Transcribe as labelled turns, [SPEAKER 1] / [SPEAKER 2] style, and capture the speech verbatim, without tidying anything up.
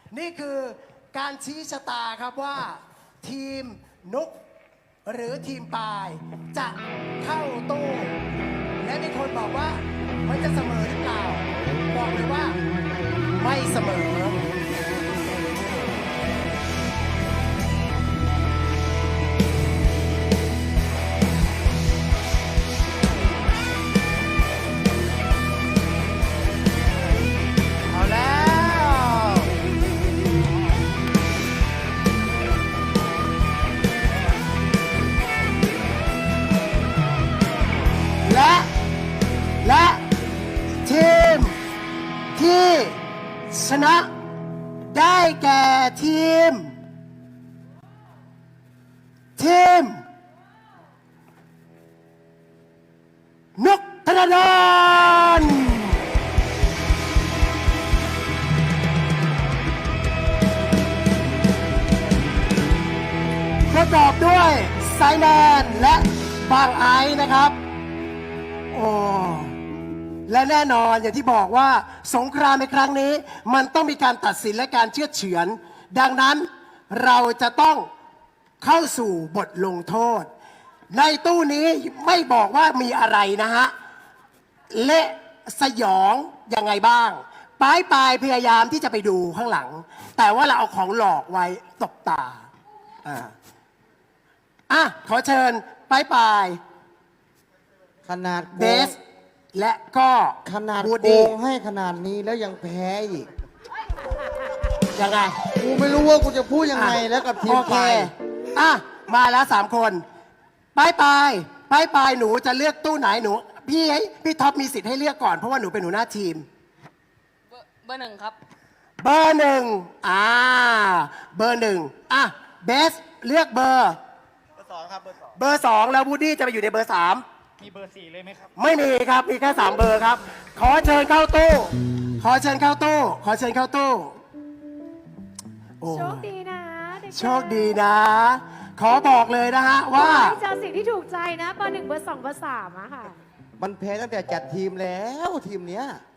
[SPEAKER 1] นี่คือการชี้ชะตาครับว่า ทีมนุกหรือทีมปายจะเข้าตู้ และมีคนบอกว่ามันจะเสมอหรือเปล่า บอกเลยว่าไม่เสมอ เอาแล้ว และ และทีมที่ชนะได้แก่ทีม ทีม นุกธนดลประกอบด้วยไซแมนและบางไอซ์นะครับ โอ้ และแน่นอนอย่างที่บอกว่าสงครามในครั้งนี้ มันต้องมีการตัดสินและการเชื่อดเฉือน ดังนั้นเราจะต้องเข้าสู่บทลงโทษ ในตู้นี้ไม่บอกว่ามีอะไรนะฮะ เละสยองยังไงบ้างปลายปลายพยายามที่จะไปดูข้างหลัง แต่ว่าเราเอาของหลอกไว้ตบตา อ่าอ่ะขอเชิญปลายปลาย
[SPEAKER 2] ขนาด
[SPEAKER 1] เบส และก็
[SPEAKER 2] ขนาด
[SPEAKER 1] บูด
[SPEAKER 2] โก
[SPEAKER 1] ดี้
[SPEAKER 2] งให้ขนาดนี้แล้วยังแพ้อีก
[SPEAKER 1] ยังไง
[SPEAKER 2] กูไม่รู้ว่ากูจะพูดยังไงแล้วกับทีม
[SPEAKER 1] โอเค
[SPEAKER 2] ไป
[SPEAKER 1] อ่ะ มาแล้วสามคนปลายปลายปลายปลายหนูจะเลือกตู้ไหนหนู พี่ให้พี่ท็อปมีสิทธิ์ให้เลือกก่อนเพราะว่าหนูเป็นหนูหน้าทีม
[SPEAKER 3] เบอร์เบอร์หนึ่งครับ
[SPEAKER 1] เบอร์หนึ่งอ่า เบอร์หนึ่งอ่ะ เบส เลือกเบอร์
[SPEAKER 4] เบอร์สองครับเบอร์สอง
[SPEAKER 1] เบอร์สองแล้วบูดดี้จะไปอยู่ในเบอร์สาม
[SPEAKER 4] มีเบอร์สี่เลยไหมครับ
[SPEAKER 1] ไม่มีครับ มีแค่สามเบอร์ครับ ขอเชิญเข้าตู้ ขอเชิญเข้าตู้ ขอเชิญเข้าตู้โอ้
[SPEAKER 5] โชคดีนะเด็กๆ
[SPEAKER 1] โชคดีนะ ขอบอกเลยนะฮะ
[SPEAKER 5] ขอ
[SPEAKER 1] ว่า
[SPEAKER 5] ให้เจอสิ่งที่ถูกใจนะเบอร์หนึ่งเบอร์สองเบอร์สามอะค่ะ
[SPEAKER 2] มันแพ้ตั้งแต่จัดทีมแล้วทีมเนี้ย